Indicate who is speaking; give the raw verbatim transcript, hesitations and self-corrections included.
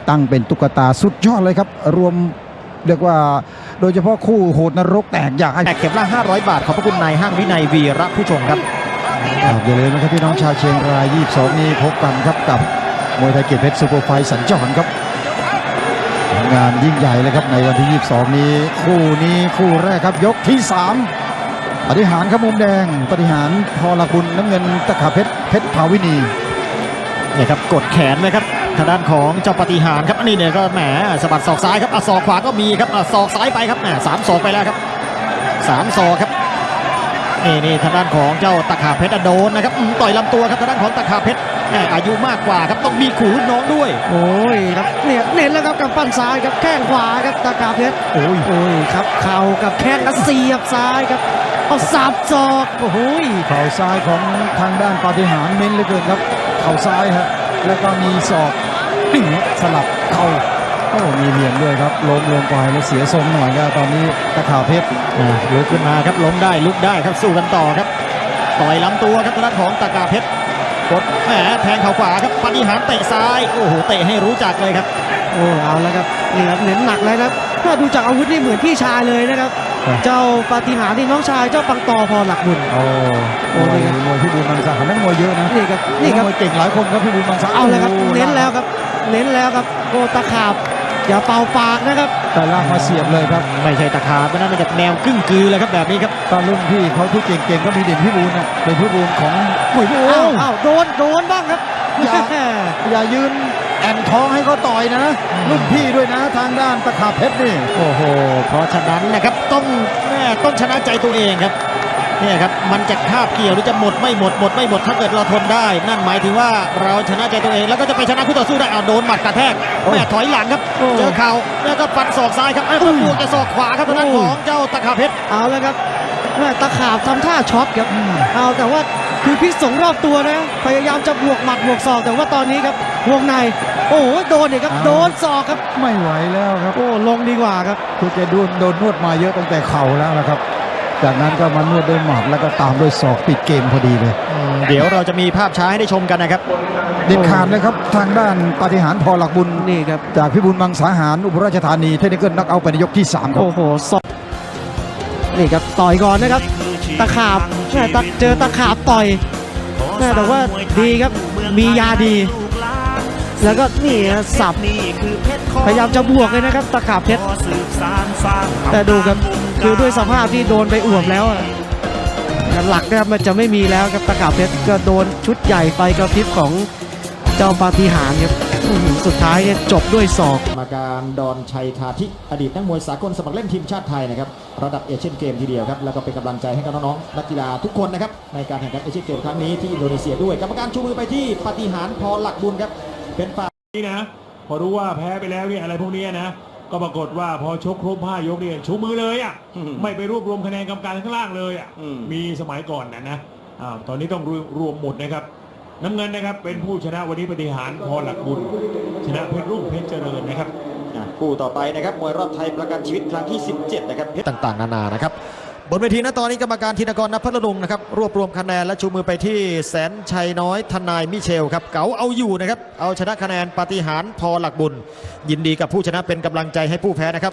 Speaker 1: ตั้งเป็นตุ๊กตาสุดยอดเลยครับรวมเรียกว่าโดยเฉพาะคู่โหดนรกแตกอยากให้
Speaker 2: แตกเข็มละห้าร้อยบาทขอบพระคุณนายห้างวินัยวีระผู้ชงครับ
Speaker 1: อย่าลืมนะครับพี่น้องชาวเชียงรายยี่สิบสองนี้พบกันครับกับมวยไทยเกียรติเพชรซูเปอร์ไฟท์สัญจรครับงานยิ่งใหญ่เลยครับในวันที่ยี่สิบสองนี้คู่นี้คู่แรกครับยกที่สามปฏิหารครับมุมแดงปฏิหารพอละบุญน้ำเงินตะขาเพชรเพชรภาวินี
Speaker 2: เนี่ยครับกดแขนไหมครับทางด้านของเจ้าปฏิหารครับอันนี้เนี่ยก็แหมสะบัดศอกซ้ายครับอ่ะศอกขวาก็มีครับอ่ะศอกซ้ายไปครับแหมสามศอกไปแล้วครับสามศอกครับนี่นี่ทางด้านของเจ้าตะขาเพชรโดนนะครับต่อยลำตัวครับทางด้านของตะขาเพชรอายุมากกว่าครับต้องมีขู่รุ่นน้องด้วย
Speaker 3: โอ้ยครับเนี่ยเน้นแล้วครับกับปั้นซ้ายครับแข้งขวาครับตะขาเพชรโอ้ยโอ้ยครับเข่ากับแข้งแล้วเสียบซ้ายครับเอาสับศอกโอ้โห
Speaker 1: เข่าซ้ายของทางด้านปฏิหารเน้นเหลือเกินครับเข่าซ้ายครับแล้วก็มีศอกปิ้งสลับเข่าโอ้มีเหลี่ยมด้วยครับล้มลงไปแล้วเสียทรงหน่อยครับตอนนี้ตะขาเพชร
Speaker 2: ลุกขึ้นมาครับล้มได้ลุกได้ครับสู้กันต่อครับต่อยลำตัวครับทางด้านของตะขาเพชรกดแหมแทงเข่าขวาครับปฏิหารเตะซ้ายโอ้โหเตะให้รู้จักเลยครับ
Speaker 3: โอ้เอาแล้วครับนี่ครับเน้นหนักเลยนะถ้าดูจากอาวุธนี่เหมือนพี่ชายเลยนะครับเจ้าปฏิหารนี่น้องชายเจ้าปังตอพอหลักบุญ
Speaker 1: โอ้โหมวยพี่บุญมังสาหารนักมวยเยอะนะ
Speaker 3: นี่ครับนี่ครับ
Speaker 1: มวยเก่งหลายคนครับพี่บุญมังสา
Speaker 3: เอาเลยครับเน้นแล้วครับเน้นแล้วครับโกตะขาบอย่าเป่าปากนะครับ
Speaker 1: แต่ล่างมาเสียบเลยครับ
Speaker 2: ไม่ใช่ตะขาบนั่นเป็นแนวกึ่งกือเลยครับแบบนี้ครับ
Speaker 1: ตอนรุ่นพี่เขาที่เก่งๆก็มีเด่นพี่บุญนะเป็นพี่บุญของมวย
Speaker 3: อ้าวอ้าวโดนโดนบ้างครับ
Speaker 1: อย่าอย่ายืนแอนท้องให้เขาต่อยนะรุ่นพี่ด้วยนะทางด้านตะขาเพชรนี่
Speaker 2: โอ้โหเพราะฉะนั้นนะครับต้องต้องชนะใจตัวเองครับนี่ครับมันจะคาบเกี่ยวหรือจะหมดไม่หมดหมดไม่หมดถ้าเกิดเราทนได้นั่นหมายถึงว่าเราชนะใจตัวเองแล้วก็จะไปชนะคู่ต่อสู้ได้เอาโดนหมัดกระแทกแม่ถอยหลังครับเจอเข่าแล้วก็ฟันศอกซ้ายครับไอ้คนบวกจะศอกขวาครับทางด้านของเจ้าตะขาเพชร
Speaker 3: เอาแล้วครับแม่ตะขาบทำท่าช็อตครับเอาแต่ว่าคือพิษสงรอบตัวนะพยายามจะบวกหมัดบวกศอกแต่ว่าตอนนี้ครับวงในโอ้โหโดนเนี่ยครับโดนศอกครับ
Speaker 1: ไม่ไหวแล้วครับ
Speaker 3: โอ้ลงดีกว่าครับ
Speaker 1: คือแกโดนโดนนวดมาเยอะตั้งแต่เข่าแล้วนะครับจากนั้นก็มานวดด้วยหมัดแล้วก็ตามด้วยศอกปิดเกมพอดีเลย
Speaker 2: เดี๋ยวเราจะมีภาพช้าให้ได้ชมกันนะครับ
Speaker 1: เด็ดขาดเลยครับทางด้านปฏิหารพอหลักบุญ
Speaker 3: นี่ครับ
Speaker 1: จากพิบูลมังสาหารอุบลราชธานีเทคนิคเกิลนักเอาไปในยกที่สามครับ
Speaker 3: โอ้โหศอกนี่ครับต่อยก่อนนะครับตะขาบเจอตะขาบต่อยแต่ว่าดีครับมียาดีแล้วก็นี่สับพยายามจะบวกเลยนะครับตะขาบเพชรแต่ดูครับคือด้วยสภาพที่โดนไปอ่วมแล้วหลักนะครับมันจะไม่มีแล้วครับตะขาบเพชรก็โดนชุดใหญ่ไฟกระพริบของเจ้าปาฏิหาริย์ครับสุดท้ายเนี่ยจบด้วยศอก
Speaker 2: กรรมการดอนชัยคาธิอดีตนักมวยสากลสมัครเล่นทีมชาติไทยนะครับระดับเอเชียนเกมทีเดียวครับแล้วก็เป็นกำลังใจให้กับน้องๆนักกีฬาทุกคนนะครับในการแข่งขันเอเชียนเกมครั้งนี้ที่อินโดนีเซียด้วยกรรมการชูมือไปที่ปฏิหารพอหลักบุญครับเป็นฝ่าย
Speaker 4: นี่นะพอรู้ว่าแพ้ไปแล้วเนี่ยอะไรพวกนี้นะก็ปรากฏว่าพอชกครบห้ายกเนี่ยชูมือเลยอ่ะไม่ไปรวบรวมคะแนนกรรมการข้างล่างเลยอ่ะมีสมัยก่อนนะนะอ่าตอนนี้ต้องรวมหมดนะครับน้ำเงินนะครับเป็นผู้ชนะวันนี้ปฏิหารพอหลักบุญชนะเพชรรุ่งเพชรเจริญนะครับ
Speaker 2: คู่ต่อไปนะครับมวยรอบไทยประกันชีวิตครั้งที่สิบเจ็ดนะครับเพชรต่างๆนานานะครับบนเวทีณตอนนี้กรรมการธินกร ณ พัทลุงนะครับรวบรวมคะแนนและชูมือไปที่แสนชัยน้อยทนายมิเชลครับเก๋าเอาอยู่นะครับเอาชนะคะแนนปฏิหารพอหลักบุญยินดีกับผู้ชนะเป็นกำลังใจให้ผู้แพ้นะครับ